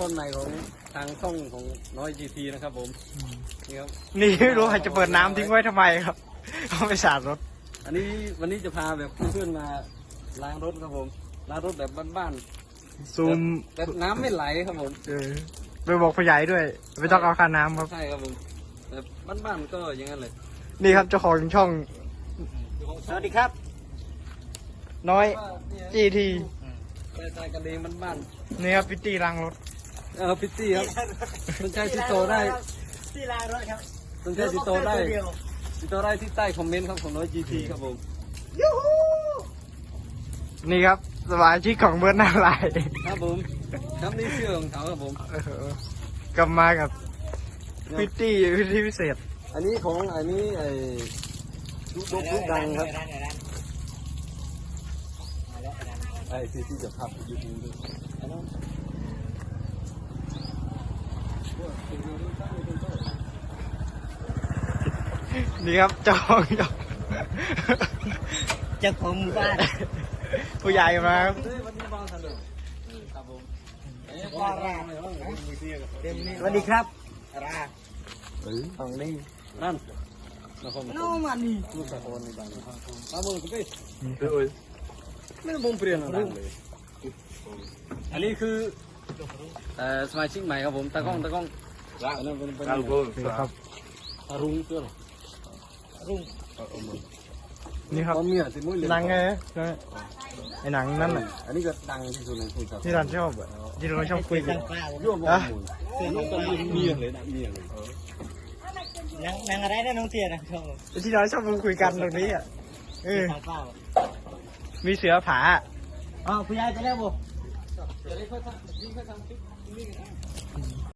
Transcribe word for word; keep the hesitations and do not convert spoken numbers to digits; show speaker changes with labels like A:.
A: ต้นใหม่ของทางช่องของน้อยจีทีนะครับผมนี่ครับ
B: นี่ไม่รู้ใครจะเปิดน้ำทิ้งไว้ทำไมครับเอาไปสาดรถ
A: อันนี้วันนี้จะพาแบบเพื่อนๆมาล้างรถครับผมล้างรถแบบบ้าน
B: ซูม
A: ๆแบบน้ำไม่ไหลครับผม
B: เออไปบอกผู้ใหญ่ด้วยไม่ต้องเอาค่าน้ำครับ
A: ใช่ครับผมแบบบ้านๆก็อย่างนั้นเลย
B: นี่ครับเจ้าของช่อง
C: สวัสดีครับ
B: น้อย
A: ว่าเนี่ย
B: จีที
A: ใต้ๆกันเองบ้าน
B: นี่ครับพิตตี้ล้างรถ
A: ๆเออพิตตี้ครับสนใจติดต่อได้
C: ที่ลารถครับ
A: สนใจติดต่อได้ติดต่อได้ที่ใต้คอมเมนต์ครับของน้อยจีทีครับผม
C: ยูฮู
B: นี่ครับสมาชิกของเบิร์ดหน้าลาย
A: ครับผมครับนี่ชื่อของเขาครับผม
B: เออกลับมากับพิตตี้พิตตี้พิเศษ
A: อันนี้ของอันนี้ไอ้ลูกลูกดังครับไอ้ที่ที่จะพับยูทูบด้วยอันนั้น
B: นี่ครับเจ้าของช่อง
C: เจ้าของหมู่บ้าน
B: ผู้ใหญ่มาครับ
A: เฮ้ยวันนี้บางทันเลยครับผม
C: ว่าราสวัสดีครับรา
A: เฮ้ย
C: ของนี่
A: นั่นนะคร
C: น้องมันนี่
A: ลูกตะโกนในบ้านครับตามมือคุณพี่เฮ้ยไม่ต้องเปลี่ยนอะไรเลยอันนี้คือเอ่อสมาชิกใหม่ครับผมตากล้องตากล้องอันนั้นเป็นเป็น
B: ครับ
A: รุ้งเพื่อน
C: รุ่ง
B: นี่ครับ
A: เมียสิมุ้ย
B: หนังไงไอ้หนังนั่นน่ะ
A: อันนี้ก็ดังที่สุดในคุยกับ
B: ที่เราชอบอะที่เราชอบคุยกั
C: จั
B: น
C: งเปล่า
A: ยั่วมองมูลเสียงก็เมียเลยนะเมียเลย
C: นางนางอะไรนะน้องเตี้ยนะชอบ
B: ที่เราชอบคุยกันตรงนี้อ่ะเออ
C: จังเปล่า
B: มีเสือผา
C: อ๋อผู้ใหญ่ไปแล้วบ่
A: จะได้ค่อยทำนี่ค่อยทำคลิปนี่กันนะ